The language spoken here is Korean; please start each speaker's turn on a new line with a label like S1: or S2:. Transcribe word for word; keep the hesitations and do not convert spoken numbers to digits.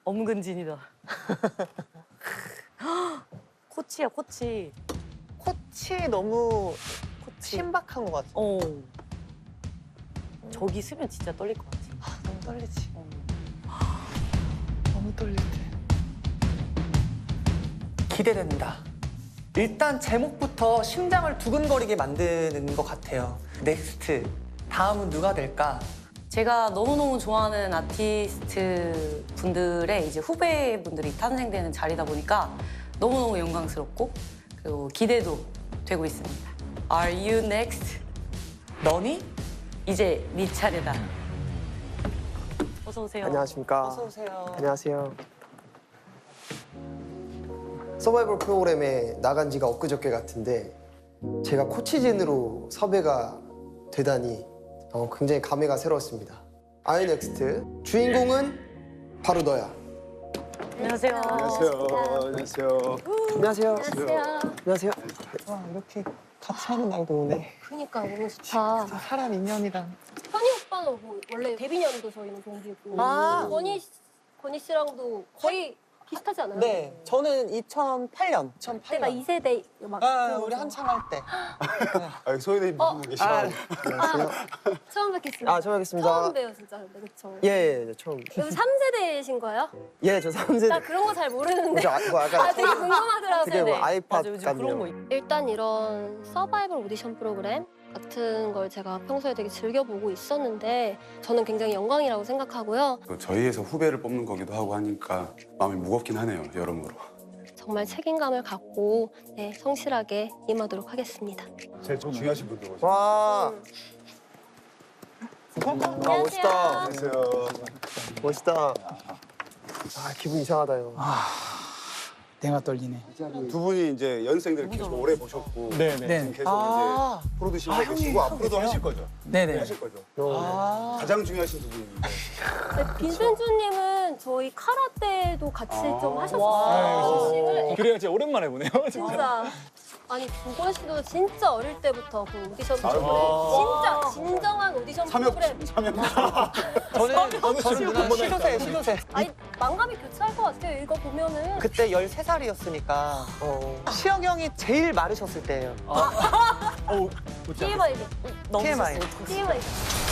S1: 엄근진이다. 코치야, 코치.
S2: 코치 너무
S1: 코치.
S2: 신박한 것 같아.
S1: 어. 저기 쓰면 진짜 떨릴 것 같아.
S2: 아, 너무 떨리지.
S1: 어.
S2: 너무 떨릴 때.
S3: 기대된다. 일단 제목부터 심장을 두근거리게 만드는 것 같아요. 넥스트. 다음은 누가 될까?
S1: 제가 너무너무 좋아하는 아티스트 분들의 이제 후배분들이 탄생되는 자리다 보니까 너무너무 영광스럽고 그리고 기대도 되고 있습니다. Are you next?
S3: 너니?
S1: 이제 네 차례다. 어서 오세요.
S4: 안녕하십니까.
S2: 어서 오세요.
S4: 안녕하세요. 서바이벌 프로그램에 나간 지가 엊그저께 같은데 제가 코치진으로 섭외가 되다니 어, 굉장히 감회가 새로웠습니다. 아이넥스트 주인공은 바로 너야.
S1: 안녕하세요.
S5: 안녕하세요. 안녕하세요.
S4: 안녕하세요.
S6: 안녕하세요.
S4: 안녕하세요.
S2: 와, 이렇게 같이 하는 날도 오네.
S6: 그러니까 너무 좋다.
S2: 사람 인연이랑.
S6: 현희 오빠는 뭐 원래 데뷔년도 저희는 동기고
S2: 아.
S6: 건희 씨- 건희 씨랑도 거의 비슷하지 않아요?
S2: 네, 저는 이천팔 년.
S6: 그때가
S2: 이천팔 년.
S6: 이 세대 막
S2: 아,
S6: 그런
S2: 우리
S6: 거죠.
S2: 한창 할 때.
S5: 아, 소연이
S6: 어.
S5: 무슨 계시죠?
S2: 아,
S4: 안녕하세요.
S6: 처음 뵙겠습니다.
S4: 아, 처음 뵙겠습니다.
S6: 처음 봬요 진짜 근데 그쵸?
S4: 예, 예, 예, 처음.
S6: 여기 삼 세대이신 거예요?
S4: 예, 저 삼 세대.
S6: 나 그런 거 잘 모르는데
S4: 저 아, 뭐
S6: 아
S4: 약간
S6: 되게 궁금하더라고요.
S4: 되게 뭐 아이팟
S1: 맞아, 요즘 그런 거
S4: 같네요.
S1: 있-
S6: 일단 이런 서바이벌 오디션 프로그램 같은 걸 제가 평소에 되게 즐겨보고 있었는데 저는 굉장히 영광이라고 생각하고요.
S5: 또 저희에서 후배를 뽑는 거기도 하고 하니까 마음이 무겁긴 하네요, 여러모로.
S6: 정말 책임감을 갖고 네, 성실하게 임하도록 하겠습니다.
S5: 제일 중요하신 분들 오셨어요.
S4: 와, 아, 멋있다.
S5: 안녕하세요.
S4: 멋있다. 아, 기분 이상하다, 형.
S7: 내가 떨리네.
S5: 두 분이 이제 연생들 계속 오래 보셨고
S7: 네네.
S5: 지금 계속
S2: 아.
S5: 이제 프로듀싱 하고 계시고 앞으로도 하실 거죠?
S7: 네네.
S5: 하실 거죠?
S4: 어.
S2: 아.
S5: 가장 중요하신 두 분인데.
S6: 네, 빈센주님은 저희 카라테도 같이
S5: 아.
S6: 좀
S2: 와.
S6: 하셨어요. 싱을
S7: 그래요, 진짜 오랜만에 보네요.
S6: 진짜. 아니 두건 씨도 진짜 어릴 때부터 그 오디션
S5: 아유.
S6: 프로그램 진짜 진정한 오디션
S5: 삼엽
S6: 프로그램.
S5: 삼엽.
S2: 저는, 저는 누나 시도세, 시도세.
S6: 아니 망감이 교차할 것 같아요. 이거 보면은.
S2: 그때 열세 살이었으니까
S4: 어.
S2: 시영 형이 제일 마르셨을 때예요.
S7: 어우, 웃지 않겠어.
S6: 티엠아이.
S1: 너무
S2: 티엠아이.
S1: 좋았어요.
S6: 티엠아이.